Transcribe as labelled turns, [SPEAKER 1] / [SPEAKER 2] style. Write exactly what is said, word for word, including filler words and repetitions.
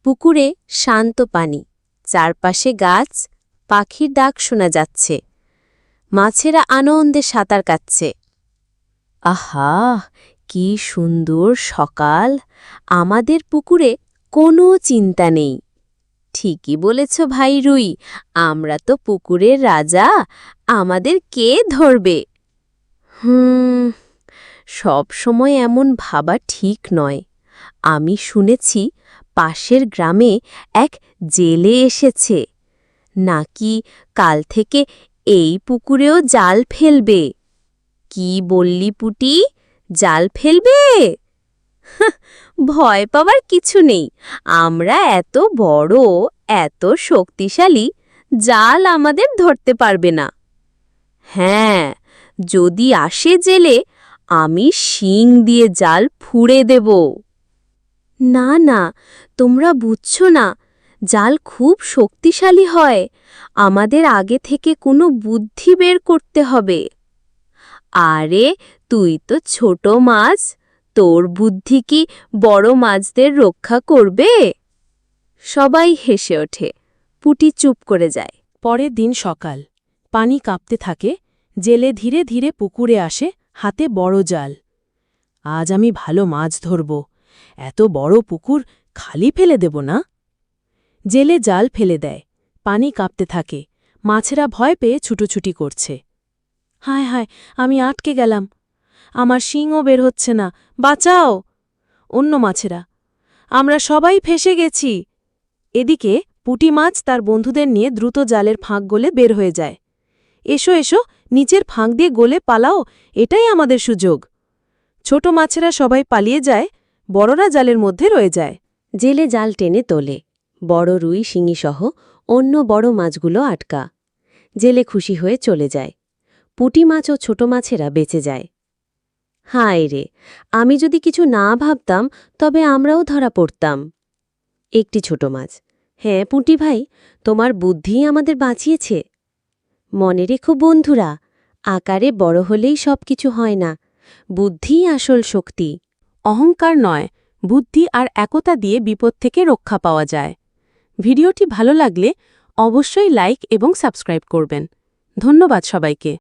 [SPEAKER 1] পুকুরে শান্ত পানি, চারপাশে গাছ, পাখির ডাক শোনা যাচ্ছে। মাছেরা আনন্দে সাঁতার কাটছে। আহা, কি সুন্দর সকাল! আমাদের পুকুরে কোনো চিন্তা নেই। ঠিকই বলেছ ভাই রুই, আমরা তো পুকুরের রাজা, আমাদের কে ধরবে? হুম সব সময় এমন ভাবা ঠিক নয়। আমি শুনেছি পাশের গ্রামে এক জেলে এসেছে, নাকি কাল থেকে এই পুকুরেও জাল ফেলবে। কি বললি পুটি, জাল ফেলবে? হাহ, ভয় পাওয়ার কিছু নেই, আমরা এত বড়, এত শক্তিশালী, জাল আমাদের ধরতে পারবে না। হ্যাঁ, যদি আসে জেলে, আমি শিং দিয়ে জাল ফুঁড়ে দেব। না না, তোমরা বুঝছো না, জাল খুব শক্তিশালী হয়, আমাদের আগে থেকে কোনো বুদ্ধি বের করতে হবে। আরে তুই তো ছোট মাছ, তোর বুদ্ধি কি বড় মাছদের রক্ষা করবে? সবাই হেসে ওঠে, পুটি চুপ করে যায়।
[SPEAKER 2] পরের দিন সকাল, পানি কাঁপতে থাকে, জেলে ধীরে ধীরে পুকুরে আসে, হাতে বড় জাল। আজ আমি ভালো মাছ ধরব, এত বড় পুকুর খালি ফেলে দেব না। জেলে জাল ফেলে দেয়, পানি কাঁপতে থাকে, মাছেরা ভয় পেয়ে ছুটোছুটি করছে। হায় হায়, আমি আটকে গেলাম, আমার শিংও বের হচ্ছে না, বাঁচাও! অন্য মাছেরা, আমরা সবাই ফেঁসে গেছি। এদিকে পুঁটি মাছ তার বন্ধুদের নিয়ে দ্রুত জালের ফাঁক গলে বের হয়ে যায়। এসো এসো, নিচের ফাঁক দিয়ে গলে পালাও, এটাই আমাদের সুযোগ। ছোট মাছেরা সবাই পালিয়ে যায়, বড়রা জালের মধ্যে রয়ে যায়।
[SPEAKER 1] জেলে জাল টেনে তোলে, বড় রুই শিঙিসহ অন্য বড় মাছগুলো আটকা। জেলে খুশি হয়ে চলে যায়, পুঁটি মাছ ও ছোট মাছেরা বেঁচে যায়। হায় রে, আমি যদি কিছু না ভাবতাম তবে আমরাও ধরা পড়তাম। একটি ছোট মাছ, হ্যাঁ পুঁটি ভাই, তোমার বুদ্ধিই আমাদের বাঁচিয়েছে। মনে রেখো বন্ধুরা, আকারে বড় হলেই সব কিছু হয় না, বুদ্ধিই আসল শক্তি।
[SPEAKER 2] অহংকার নয়, বুদ্ধি আর একতা দিয়ে বিপদ থেকে রক্ষা পাওয়া যায়। ভিডিওটি ভালো লাগলে অবশ্যই লাইক এবং সাবস্ক্রাইব করবেন। ধন্যবাদ সবাইকে।